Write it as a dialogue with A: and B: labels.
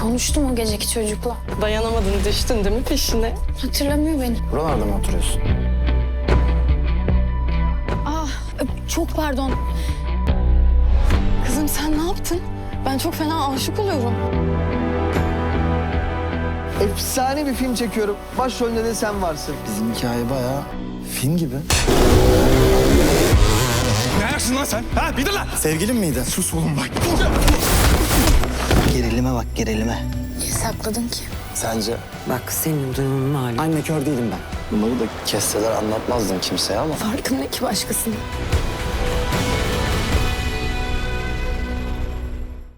A: Konuştum o geceki çocukla.
B: Dayanamadın, düştün değil mi peşine?
A: Hatırlamıyor beni.
C: Buralarda mı oturuyorsun?
A: Çok pardon.
B: Kızım sen ne yaptın? Ben çok fena aşık oluyorum.
D: Efsane bir film çekiyorum. Başrolünde de sen varsın.
C: Bizim hikaye bayağı film gibi.
E: Ne ayaksın lan sen? Ha bir dur lan.
C: Sevgilin miydi?
E: Sus oğlum bak.
C: Gerilime bak gerilime.
A: Niye sakladın ki?
C: Sence?
F: Bak senin durumun malum.
C: Anne kör değilim ben. Bunları da kesseler anlatmazdın kimseye ama.
B: Farkım ne ki başkasına?